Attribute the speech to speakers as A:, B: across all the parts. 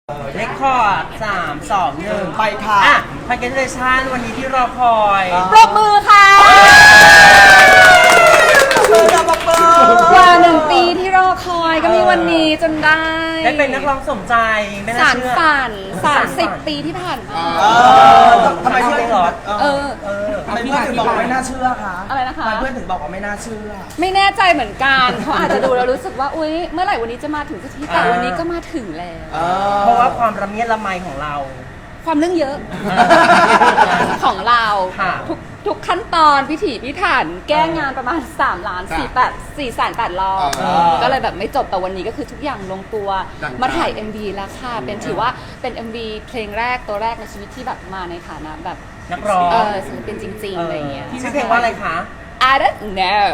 A: เรคคอร์ด3 2 1
B: ไปค่ะ
A: พาร์เกนเรชั่นวันนี้ที่รอคอย
C: ปรบมือค่ะกว่า1 ปีที่รอคอยก็มีวันนี้จนได้
A: ได้เป็นนักร้องสมใจไม่น่า
C: สาร
A: เชื่อ
C: ฝัน30 ปีที่ผ่านมา
B: ทำไมเพื่อนถึงบอก
A: ทำไม
B: เพื่อนถึงบอกว่าไม่น่าเชื่อคะ
C: อะไรนะคะ
B: ทำไมเพื่อนถึงบอกว่าไม่น่าเชื่อ
C: ไม่แน่ใจเหมือนกันเขาอาจจะดูแล้วรู้สึกว่าอุ๊ยเมื่อไหร่วันนี้จะมาถึงสักทีแต่วันนี้ก็มาถึงแล้ว
A: เพราะว่าความระเมียดระไมของเรา
C: ความเรื่องเยอะ ของเรา
A: ค่ะ
C: ทุกขั้นตอนพิถีพิถันแก้งานประมาณ4,800,000 รอบก็เลยแบบไม่จบแต่วันนี้ก็คือทุกอย่างลงตัวมาถ่าย MV แล้วค่ะเป็นถือว่าเป็น MV เพลงแรกตัวแรกในชีวิตที่แบบมาในฐานะแบบ
A: นักร้อง
C: ศิลปินจริงๆอะไรอย่างเงี้ย
A: ชื่อเพลงว่าอะไรคะ
C: I don't know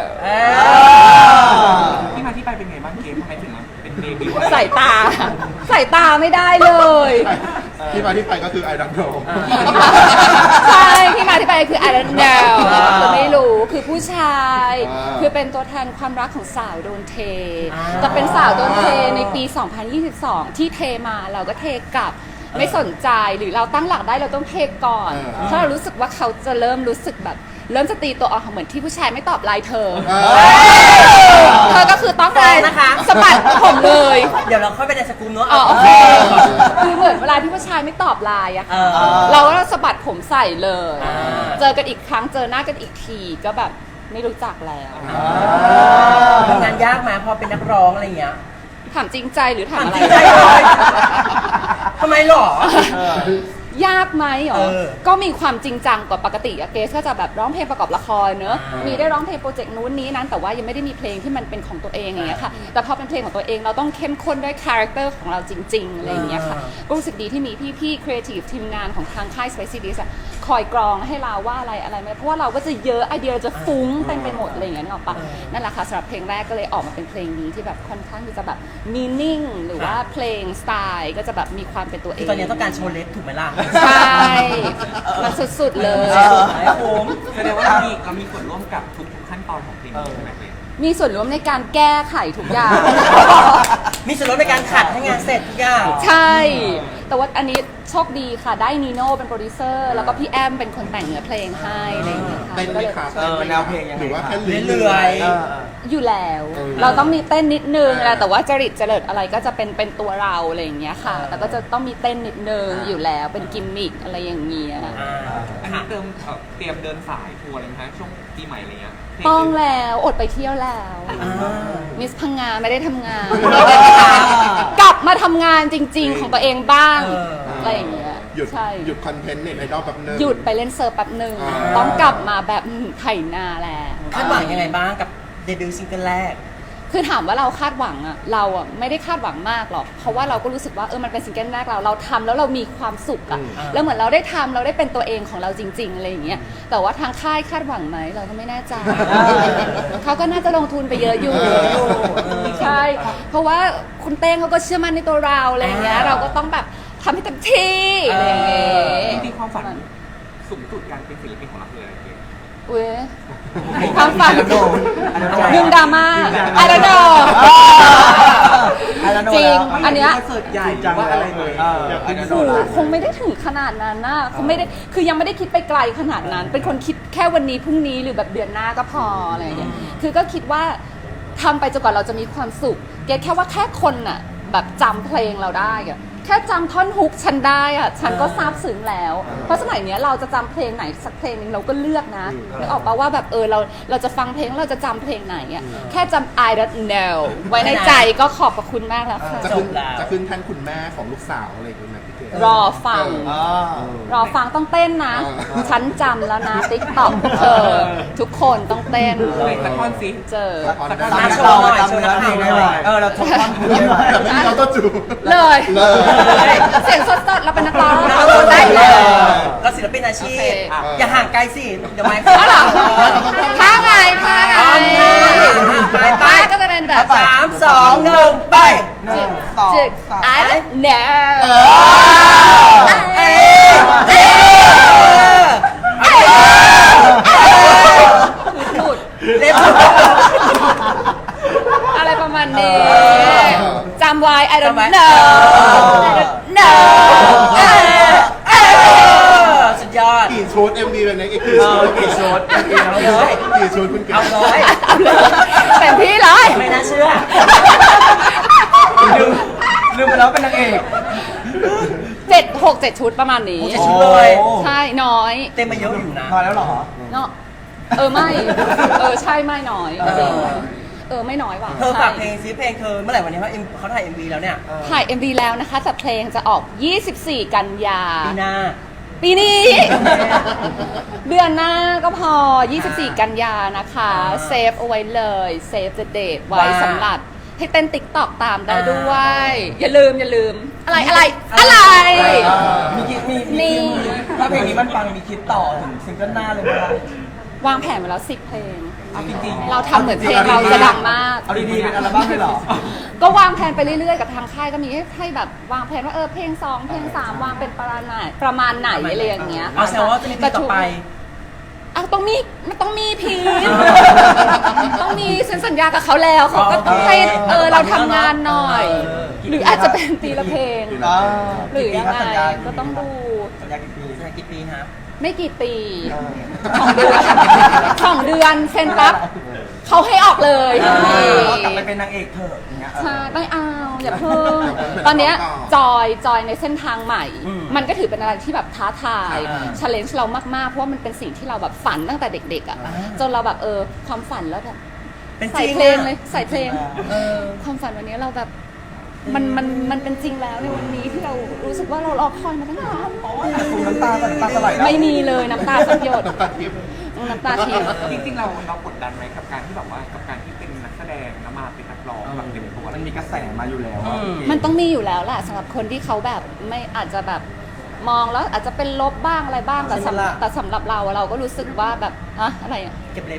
D: ที่มาที่ไปเป็นไงบ้างเกมทำไมถึงมาเป็นเดบิวต์
C: ใส่ตาไม่ได้เลย
E: ที่มาที่ไปก็คือไอดังโด
C: ใช่ที่มาที่ไปคือ I don't know คือไม่รู้คือผู้ชาย คือเป็นตัวแทนความรักของสาวโดนเท แต่เป็นสาวโดนเทในปี 2022 ที่เทมาเราก็เทกลับไม่สนใจหรือเราตั้งหลักได้เราต้องเทก่อนเพราะเรารู้สึกว่าเขาจะเริ่มรู้สึกแบบเริ่มจะตีตัวออกเหมือนที่ผู้ชายไม่ตอบไลน์เธอก็คือต้องเลยนะคะสะบัดผมเลย
A: เดี๋ยวเราค่อยไปในสกู๊ปเนาะ
C: โอเคคือเหมือนเวลาที่ผู้ชายไม่ตอบไลน์อะค่ะเราก็สะบัดผมใส่เลย เจอกันอีกครั้งเจอหน้ากันอีกทีก็แบบไม่รู้จักแล้ว
A: ทำงานยากไหมพอเป็นนักร้องอะไรอย่างเงี้ย
C: ถามจริงใจหรือถามอะไร
A: จริงใจเลยทำไมหรอ
C: ยากไหมหรอ
A: เออ
C: ก็มีความจริงจังกว่าปกติอะเกสก็จะแบบร้องเพลงประกอบละครเนอะมีได้ร้องเพลงโปรเจกต์นู้นนี้นั้นแต่ว่ายังไม่ได้มีเพลงที่มันเป็นของตัวเองอย่างเงี้ยค่ะแต่พอเป็นเพลงของตัวเองเราต้องเข้มข้นด้วยคาแรคเตอร์ของเราจริงๆอะไรอย่างเงี้ยค่ะก็รู้สึกดีที่มีพี่ๆครีเอทีฟทีมงานของทางค่าย Spicy Dish อะคอยกรองให้เราว่าอะไรไม่เพราะว่าเราก็จะเยอะไอเดียจะฟุ้งเต็มไปหมดอะไรอย่างเงี้ยนึกออกปะนั่นแหละค่ะสำหรับเพลงแรกก็เลยออกมาเป็นเพลงนี้ที่แบบค่อนข้างที่จะแบบมีนิ่งหรือว่าเพลงสไตล์ก็จะแบบมีความเป็นตัวเอ
A: คือง ตอนนี้ต้องการโชว์เล็บถูกไหมล่ะ
C: ใช่มันสุดๆเลย
A: ไอ้ผม
D: แสดงว่าเรามีส่วนร่วมกับทุกขั้นตอนของเพลงนี้ใช่ไหมเกม
C: มีส่วนร่วมในการแก้ไขทุกอย่าง
A: มีส่วนลดในการขัดให้งานเสร็จทุกอย่าง
C: ใช่ แต่ว่าอันนี้โชคดีค่ะ ได้นีโน่เป็นโปรดิวเซอร์ แล้วก็พี่แอมเป็นคนแต่งเนื้อเพลงให้อะไรอย่างเงี้ยค่ะ
E: เต้นไหมครับ
B: แนวเพลงยังไง
E: หรือว่าแค่
A: เรื่อย
C: อยู่แล้ว เราต้องมีเต้นนิดนึงนะแต่ว่าจริตเจริญอะไรก็จะเป็นตัวเราอะไรอย่างเงี้ยค่ะ แต่ก็จะต้องมีเต้นนิดนึงอยู่แล้ว เป็นกิมมิคอะไรอย่างเงี้ย
D: อันนี้เตรียมเดินสายทัวร์เลยไหมคะช่วงปีใหม่อะไรเงี้ย
C: ต้องแล้วอดไปเที่ยวแล้ว มิสพังงานไม่ได้ทำงาน กลับมาทำงานจริง ๆ ของตัวเองบ้างอะไรอย่างเงี้ย
E: หยุด
C: ใช่
E: หยุดคอนเทนต์เน็ตไอดอลแบบนึง
C: หยุดไปเล่นเซิร์ฟแป๊บหนึ่งต้องกลับมาแบบไถนาแล้ว
A: คาดหวังยังไงบ้างกับเดบิวต์ซิงเกิลแรก
C: คือถามว่าเราคาดหวังอะเราอะไม่ได้คาดหวังมากหรอกเพราะว่าเราก็รู้สึกว่ามันเป็นซิงเกิลแรกเราทำแล้วเรามีความสุขอะแล้วเหมือนเราได้ทำเราได้เป็นตัวเองของเราจริงๆอะไรอย่างเงี้ยแต่ว่าทางค่ายคาดหวังไหมเราก็ไม่แน่ใจเขาก็น่าจะลงทุนไปเยอะอยู่ใช่เพราะว่าคุณเต้งเขาก็เชื่อมั่นในตัวเราอะไรอย่างเงี้ยเราก็ต้องแบบทำให้เต็มที่อะไรอย่างเงี้ย
D: จริงๆความฝันสูงสุดการเป็นศิลปินของเราคืออะไรเกม
C: อุ้ยความฝันดึงดราม่าไอรอนโดจริงอันเนี้ย
B: คอนเสิร์ตใหญ่จังว่าอะไรเลย
C: คงไม่ได้ถึงขนาดนั้นนะคงไม่ได้คือยังไม่ได้คิดไปไกลขนาดนั้น เป็นคนคิดแค่วันนี้พรุ่งนี้หรือแบบเดือนหน้าก็พออะไรอย่างเงี้ยคือก็คิดว่าทำไปจนกว่าเราจะมีความสุขเกแค่ว่าแค่คนน่ะแบบจำเพลงเราได้อะแค่จำท่อนฮุกฉันได้อะฉันก็ซาบซึ้งแล้ว เพราะสมัยเนี้ยเราจะจำเพลงไหนสักเพลงนึงเราก็เลือกนะนึกออกปะว่าแบบเราจะฟังเพลงเราจะจำเพลงไหนอะแค่จำ I don't know ไว้ในใจก็ขอบพระคุณมากแล้วค่ะ
E: จะขึ้นแท่นคุณแม่ของลูกสาวอะไรอย่างเงี้ยนะพี่เกด
C: รอฟังต้องเต้นนะ ฉันจำแล้วนะติ๊กต็อกทุกคนต้องเต้น
D: ตะคอนซิ
C: เจอ
A: มาโชว์หน่อยโชว์นักเพลงหน่อย
B: เราทุกท่อนพูดได้ไหม
E: แต่ไม่มีเราต้องจู
C: เลย เสียงสดๆเราเป็นนักร้องเราพูดได้เลย
A: เราศิลปินอาชี
C: โอ
A: พ
C: เค
A: อย่าห่างไกลสิ เดี๋ยวไม่
C: อ๋อเหรอท่าไง
A: ไป
C: ท่าก็จะเป็นแบบ
A: 3 2 1 ไป
C: จึก I don't know หลุด
A: เล็บ
C: อะไรประมาณนี้จำไว้ I don't
A: จำไว้
C: know I don't know
E: MV เป็นไงกี่
B: เอ
E: ชุ
B: อ
E: ด
B: กี่ชุด
A: เอาเลย
E: กี่ชุดคุณเก๋
A: เอาเลย
C: เต็มที่เลย
A: ไม่น่าเชื่อ
B: ลืมไปแล้วเป็นนางเอก
C: 7 ชุดประมาณนี้
A: โอ้ 7 ชุดเลย
C: ใช่น้อย
A: เต็มมาเยอะอยู่นะ
B: พอแล้วเหรอ
C: เนาะไม่ใช่ไม่น้อยจริงไม่น้อยว่ะ
A: เธอฝากเพล
C: ใช่
A: งซิเพลงเธอเมื่อไหร่วันนี้เขาถ่าย MV แล้วเนี่ย
C: ถ่าย MV แล้วนะคะแต่เพลงจะออก 24 กันยา
A: ปีหน้า
C: ปีนี้ เดือนหน้าก็พอ 24 กันยานะคะเซฟเอาไว้เลยเซฟthe date ไว้
A: ว่า
C: สำหรับให้เต้นติ๊กตอกตามได้
A: อ่า
C: ด้วย อย่าลืมอะไร
B: มีคิดมี
C: นี่
B: ถ้าเพลงนี้มันปังมีคิดต่อถึงซิงเกิลหน้าเลยไหมคะ
C: วางแผนไว้แล้ว 10 เพลง
B: เอาจริงๆ
C: เราทำเหมือนเพลงเราจะดังมาก
B: เอาดีๆเป็นอัลบั้มเลยเหรอ
C: ก็วางแผนไปเรื่อยๆกับทางค่ายก็มีให้แบบวางแผนว่าเพลง 2 เพลง 3 วางเป็นประมาณไหนอะไรอย่างเงี้ย
A: เอาแสดงว่าจะมีเพลงต่อไป
C: มันต้องมีพีทต้องมีเซ็นสัญญากับเขาแล้วเขาก็ต้องให้เราทำงานหน่อย หรืออาจจะเป็นปีละเพลง หรือยังไงก็ต้องดู
B: สัญญากี่ปี
A: สัญญากี่ปีฮะ
C: ไม่กี่ปี2 เดือนเซ็นปั๊บเขาให้ออกเลย
B: กลับไปเป็นนางเอกเถอะอย่างเงี้ย
C: ใช่ไม่เอาอย่าเพิ่งตอนเนี้ยจอยในเส้นทางใหม่ มันก็ถือเป็นอะไรที่แบบท้าทายchallenge เรามากๆเพราะว่ามันเป็นสิ่งที่เราแบบฝันตั้งแต่เด็กๆอ่ะจนเราแบบความฝันแล้วแบบ
A: เป็นจ
C: ใส่
A: ริง
C: เพลงเลยใส่เพลง
A: เออ
C: ความฝันวันนี้เราแบบมันเป็นจริงแล้วในวันนี้ที่เรารู้สึกว่าเรารอคอยมาตั้งนาน
B: คุณน้ำตาก่อนน้ำตาสลายแล้ว
C: ไม่มีเลยน้ำตาสักหยด
E: ตัดคลิป
C: น้ำตาที
D: จริงๆเรากดดันไหมกับการที่แบบว่ากับการที่เป็นนักแสดงแล้วมาเป็นนักร้องแบบเต็มตัว
B: มันมีกระแสมาอยู่แล้ว
C: มันต้องมีอยู่แล้วแหละสำหรับคนที่เขาแบบไม่อาจจะแบบมองแล้วอาจจะเป็นลบบ้างอะไรบ้างแต่สำหรับเราก็รู้สึกว่าแบบอะไรอ่ะ
A: เก็บเล็บ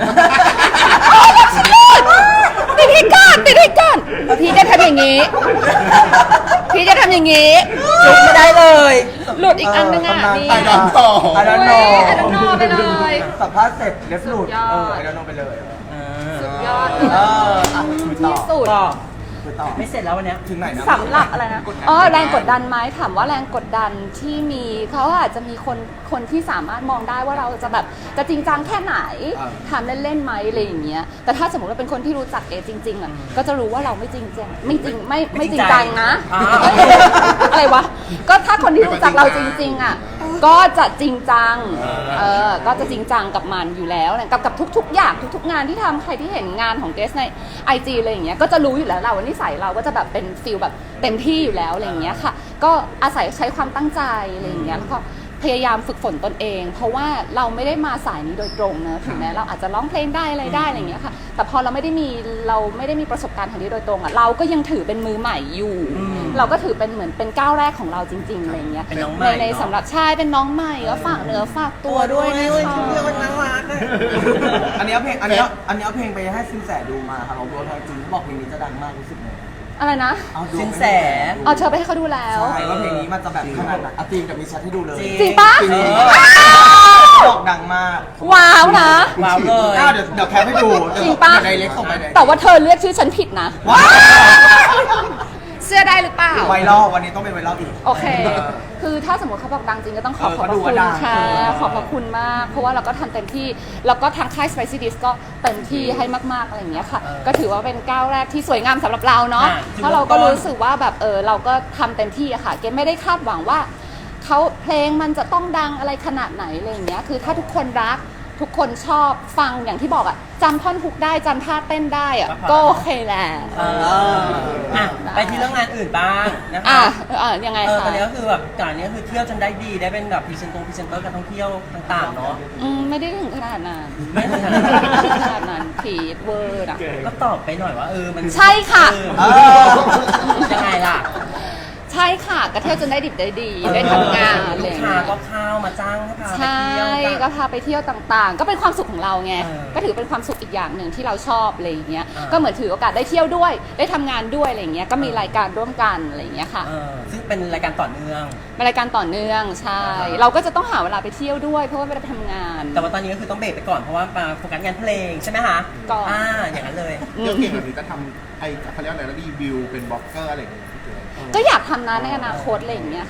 C: ติดให้ก่อนพี่จะทำอย่างนี้พี่จะทำอย่างนี้
A: จุกไม่ได้เลย
C: หลุดอีกอันนึงอ่ะนี่
E: ไอดอนต่อ
B: ไอดอนโน
C: ไอดอนโนไปเลย
B: สัมภาษณ์เสร็จเล็บหลุด
C: สุดยอด
B: ไอดอนโนไปเลย
C: สุดยอดเลย
B: คุยต่อ
C: ที่สุด
A: ก็
B: คุยต่อ
A: ไม่เสร็จแล้ววันเนี้ย
B: ถึงไหนนะ
C: สำหรับอะไรนะแรงกดดันไหมถามว่าแรงกดดันที่มีเขาอาจจะมีคนที่สามารถมองได้ว่าเราจะแบบจะจริงจังแค่ไหนทำเล่นๆไหมอะไรอย่างเงี้ยแต่ถ้าสมมติว่าเป็นคนที่รู้จักจริงๆอ่ะก็จะรู้ว่าเราไม่จริงจังไม่จริงจังนะอะไรวะก็ถ้าคนที่รู้จักเราจริงๆอ่ะก็จะจริงจังก็จะจริงจังกับมันอยู่แล้วกับทุกๆอย่างทุกๆงานที่ทำใครที่เห็นงานของเกสใน IG อะไรอย่างเงี้ยก็จะรู้อยู่แล้วเราว่านิสัยเราก็จะแบบเป็นฟีลแบบเต็มที่อยู่แล้วอะไรอย่างเงี้ยค่ะก็อาศัยใช้ความตั้งใจอะไรอย่างเงี้ยแล้วก็พยายามฝึกฝนตนเอง เพราะว่าเราไม่ได้มาสายนี้โดยตรงนะถึงแม้เราอาจจะร้องเพลงได้อะไรได้อะไรอย่างเงี้ยค่ะแต่พอเราไม่ได้มีประสบการณ์ทางนี้โดยตรงอ่ะเราก็ยังถือเป็นมือใหม่อยู่ เราก็ถือเป็นเหมือนเป็นก้าวแรกของเราจริงๆอะไรอย่างเงี้ย
A: เป็นน้องใหม่
C: ในสำหรับชายเป็นน้องใหม่ก็ฝากเนื้อฝากตัวด้วยนะคะ
A: เรื่องมันน่ารักอะ
B: อันนี้เอาเพลงไปให้ซินแสดูมาค่ะเราดูทางจริงเขาบอกเพลงนี้จะดังมากรู้สึกไง
C: อะไรนะ
B: เอาดู
A: สินแส
C: เอาเธอไปให้เขาดูแล้ว
B: ใช่ว่าเพลงนี้มันจะแบบขนาดไหนจริงกับมีแชทให้ดูเลย
C: จริงปะ
B: บอกดังมาก
C: ว้าวนะ
A: ว้าวเลย
B: เดี๋ยวแคปให้ดู
C: จริงปะ
B: เดี๋ยวไดเรกส่งไปเลย
C: แต่ว่าเธอเรียกชื่อฉันผิดนะ
B: ว้าว
C: เสื้อได้หรือเปล่า
B: ไวรัลวันนี้ต้องเป็นไวรัลอีก
C: โอเค คือถ้าสมมติเขาบอกดังจริงก็ต้องขอบพระ
B: ก็ดู
C: คุ
B: ว่า
C: ณ
B: ดัง
C: ค่ะ ขอบพระคุณมาก เพราะว่าเราก็ทำเต็มที่ แล้วก็ทางค่าย Spicy Dish ก็เต็มที่ให้มากๆอะไรอย่างเงี้ยค่ะ ก็ถือว่าเป็นก้าวแรกที่สวยงามสำหรับเราเนาะ เพราะเราก็รู้สึกว่าแบบเราก็ทำเต็มที่อะค่ะ เกมไม่ได้คาดหวังว่าเขาเพลงมันจะต้องดังอะไรขนาดไหนอะไรอย่างเงี้ย คือถ้าทุกคนรัก ทุกคนชอบฟังอย่างที่บอกอะจำท่อนฮุกได้จำท่าเต้นได้อะก็โอเคแหละ
A: ไปที่เรื่องงานอื่นบ้างนะ
C: อ่ะ
A: คะ
C: ยังไง
A: ต
C: คะ
A: อนนี้ก็คือแบบก่อนนี้ก็คือเที่ยวจนได้ดีได้เป็นแบบพรีเซนเตอร์การท่องเที่ยวต่างๆเนาะ
C: ไม่ได้ถึงขนาดนั้น
A: ไม่ถึงขนาดนั้น
C: ไม่ถึงขนาดนั้นผีเวอร์อะ
A: ก็ตอบไปหน่อยว่ามัน
C: ใช่ค่ะ
A: ยังไงล่ะ
C: ใช่ค่ะก็เที่ยวจนได้ดิบได้ดีได้ทำงานอะไร
A: ลู
C: อก ย่าง
A: ค้า
C: เงี้ย
A: ก็เข้ามาจ้างให้พาไป
C: ใช่
A: เที่ยวกัน
C: ก็พาไปเที่ยวต่างๆ ก็เป็นความสุขของเราไง
A: เออ
C: ก็ถือเป็นความสุขอีกอย่างหนึ่งที่เราชอบอะไรอย่างเงี้ย
A: อ่า
C: ก็เหมือนถือโอกาสได้เที่ยวด้วยได้ทำงานด้วยอะไรอย่างเงี้ยก็มีรายการร่วมกันอะไรอย่างเงี้ยค่ะ
A: ซึ่งเป็นรายการต่อเนื่อง
C: เป็นรายการต่อเนื่องใช่ เราก็จะต้องหาเวลาไปเที่ยวด้วย เพราะว่าไม่ได้ทำงาน
A: แต่ว่าตอนนี้ก็คือต้องเบรกไปก่อนเพราะว่ามาโฟกัสงานเพลงใช่ไหมคะ
C: ก่อน
A: อย่างนั้นเลย
E: เดี๋ยวเก่งแบบนี้จะทำเขาเรียกอะไรนะรีวิวเป็นบล็อกเกอร์อะไรอย่างเงี้ยพี่เก๋
C: ก็อยากทำนะในอนาคตอะไรอย่างเงี้ยค่ะ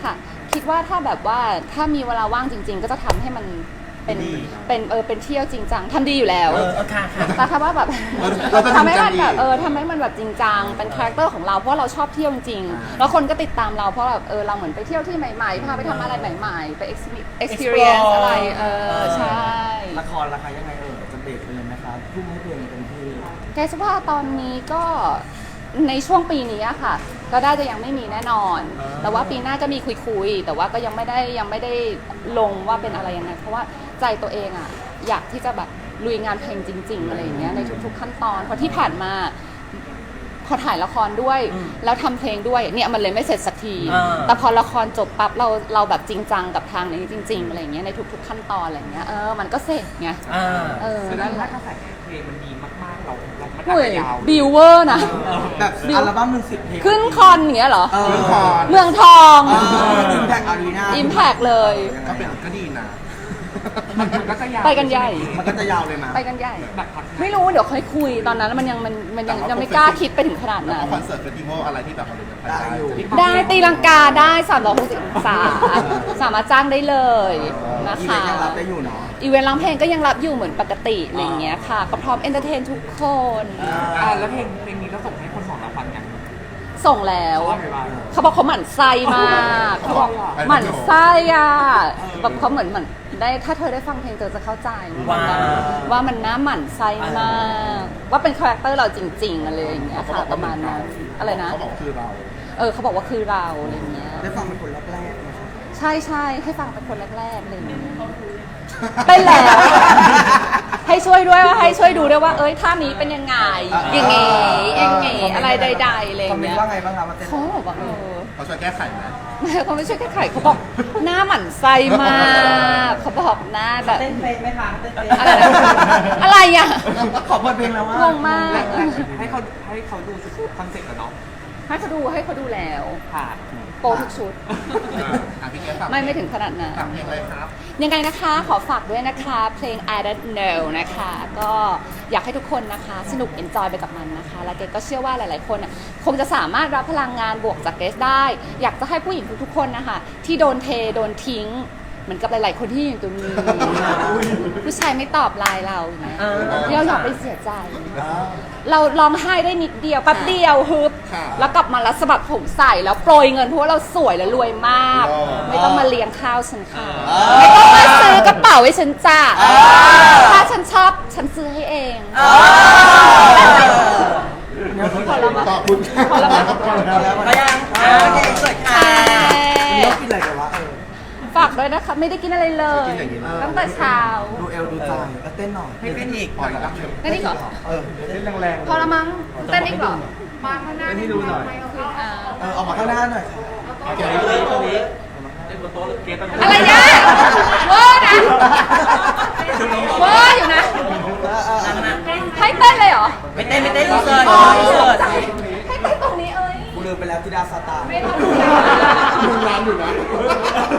C: คิดว่าถ้าแบบว่าถ้ามีเวลาว่างจริง ๆ ก็จะทำให้มันเป็น
A: ดี
C: เป็นเที่ยวจริงจังทำดีอยู่แล้ว
A: ค่ะค่ะ
C: แต่ถ้าว่าแบบ
E: เราจะจริงจัง
C: ทำให้มันแบบ
E: อีก
C: ทำให้มันแบบจริงจังเป็นคาแรคเตอร์ของเราเพราะเราชอบเที่ยวจริงๆแล้วคนก็ติดตามเราเพราะแบบเราเหมือนไปเที่ยวที่ใหม่ๆพาไปทำอะไรใหม่ๆไป experience อะไรใช่
B: ละครราคายังไงจะเบรกไปเลยไหมครับทุ่มให้เพลงเต็มที่
C: แกสว่าตอนนี้ก็ในช่วงปีนี้อะค่ะ ก็ได้จะยังไม่มีแน่นอน แต่ว่าปีหน้าก็มีคุยๆแต่ว่าก็ยังไม่ได้ลงว่าเป็นอะไรยังไงเพราะว่าใจตัวเองอะอยากที่จะแบบลุยงานเพลงจริง ๆอะไรอย่างเงี้ยในทุกๆขั้นตอนเพราะที่ผ่านมาพอถ่ายละครด้วย แล้วทำเพลงด้วยเนี่ยมันเลยไม่เสร็จสักที แต่พอละครจบปั๊บเราแบบจริงจังกับทางนี้จริง ๆอะไรอย่างเงี้ยในทุกๆขั้นตอนอะไรอย่างเงี้ยมันก็เสร็จไง
D: คือ
C: นั่นแห
D: ถ้า
C: ละ
D: กระแสเพลงมันดีมากๆเรามันอาจ
C: เฮ้ย
D: จะยาว
C: บิวเวอร์นะ
B: แบบอัลบั้มหนึ่ง10 เพลง
C: ขึ้นคอนอย่างเงี้ยเหรอ
E: ขึ้นคอน
C: เมืองทอง
B: อิมแพคอารีนา
C: Impact เลย
E: ก็ดีนะ
D: มันก็จะยาว
C: ไปกันใหญ่
B: มันก็จะยาวเลยมา
C: ไปกันใหญ่
D: แบบพัก
C: ไม่รู้เดี๋ยวค่อยคุยตอนนั้นมันยังไม่กล้าคิดไปถึงขนาด
E: แล้ว
C: นั้
E: ก็
C: น
E: คอนเสิร์ตเฟสติวัลอะไรที่แบบเราเดินไปได้อยู่
C: ได้ตีลังกาได้360องศาสามารถจ้างได้เลยนะ
B: อีเว
C: คะ
B: นต์ยังรับได้อยู่เนาะ
C: อีเวนต์ร้องเพลงก็ยังรับอยู่เหมือนปกติอะไรอย่างเงี้ยค่ะ ก็พร้อมเอนเตอร์เทนทุกคน
D: แล้วเพลงนี้เราส่งให้คนของเราฟังยัง
C: ส่งแล้ว
D: ว่าไงบ้าง
C: เขาบอกเขาหมั่นไส้มากเขาบอกหมั่นไส้อ่ะแบบเขาเหมือนได้ถ้าเธอได้ฟังเพลงเธอจะเข้าใจ
A: ว้าว
C: ว่ามันน่าหมั่นไส้มาก ว่าเป็นคาแรคเตอร์เราจริงๆอะไรอย่างเงี้ยค่ะประมาณนั้นอะไรนะ
E: เขาบอกคือเรา
C: เขาบอกว่าคือเราอะไรอย่างเงี้ย
B: ได้ฟังเป็นคนแรกๆไหมครับ
C: ใช่ให้ฟังเป็นคนแรกๆอะไรอย่างเงี้ยเป็นแล้ว ให้ช่วยด้วยว่าให้ช่วยดูด้วยว่าท่านี้เป็นยังไงอย่างงี้อะไรใดๆอะไรอ
B: คอม
C: ย่าง
B: เมน
C: เงี้
B: ต์
C: ย
B: ว่าไงบ้างครับมาเต้น
C: เขาบอกว่า
E: เขาช่วยแก้ไขไหม
C: เขาไม่ช่วยแก้ไขเขาบอกหน้าหมั่นไส้มากเขาบอกหน้าแบบ
A: เต้นเพลงไหมคะเต้นเพลง
C: อะไรนะอะไรอ่ะ
B: ขอเปิดเพลงแล้วว่าง
C: งมาก
D: ให้เขาดูคอนเซ็ปต์กันเนาะ
C: ให้เขาดูแล้ว
D: ค่ะ
C: โปรทุกชุด
E: พี่แก้ฝาก
C: ไม่ถึงขนาดนั้น
E: ฝากเพลงเลยครับ
C: ยังไงนะคะขอฝากด้วยนะคะเพลง I Don't Know นะคะก็อยากให้ทุกคนนะคะสนุก enjoy ไปกับมันนะคะและเกรซก็เชื่อว่าหลายๆคนน่ะคงจะสามารถรับพลังงานบวกจากเกรซได้ อยากจะให้ผู้หญิงทุกๆคนนะคะที่โดนเทโดนทิ้งเหมือนกับหลายๆคนที่อยู่ตรงนี้ผู้ชายไม่ตอบไลน์เราอย่างเงี้ยเราอย่าไปเสียใจ เราร้องไห้ได้นิดเดียวแป๊บเดียวฮึบ
E: ค่ะ
C: แล้วกลับมาแล้วสะบัดผมใส่แล้วโปรยเงินเพราะว่าเราสวยและรวยมาก ไม่ต้องมาเลี้ยงข้าวฉันค่ะไม่ต้องมาซื้อกระเป๋าให้ฉันจ้าถ้าฉันชอบฉันซื้อให้เองพอแล้วมั้ย
E: ขอบคุณค่ะ
C: พอแล้วมั้ย
A: ก็ยังโอเคสวยค่ะ
B: วันนี้เรากินอะไรกันวะ
C: ฝากด้วยนะคะไม่ได้กินอะไรเลย
E: กินอย่างนี้เลย
C: ตั้งแต่เช้า
B: ดูเอลดูใจแล้วเต้นหน่อย
A: ให้เต้นอีก
E: ปล่อยรับเลย
C: นั่นนี่เหรอ
B: เต้นแรง
C: พอละมั้งเต้นอีกเหรอมาข้างหน้าให้ดูหน่อย
B: ออกมาข้างหน้าหน่อย
C: อะไรเนี่ยเวอร์นะเวอร์อยู่นะให้เต้นเลยเหรอ
A: ไม่เต้นอินเสิร์ต
C: อ๋อ
A: อินเสิร์ต
C: ให้เต้นตรงนี้เอ้ย
B: กูลืมไปแล้วธิดาซาตาน
C: ไม่ต้อง
E: มึงร้านอยู่นะ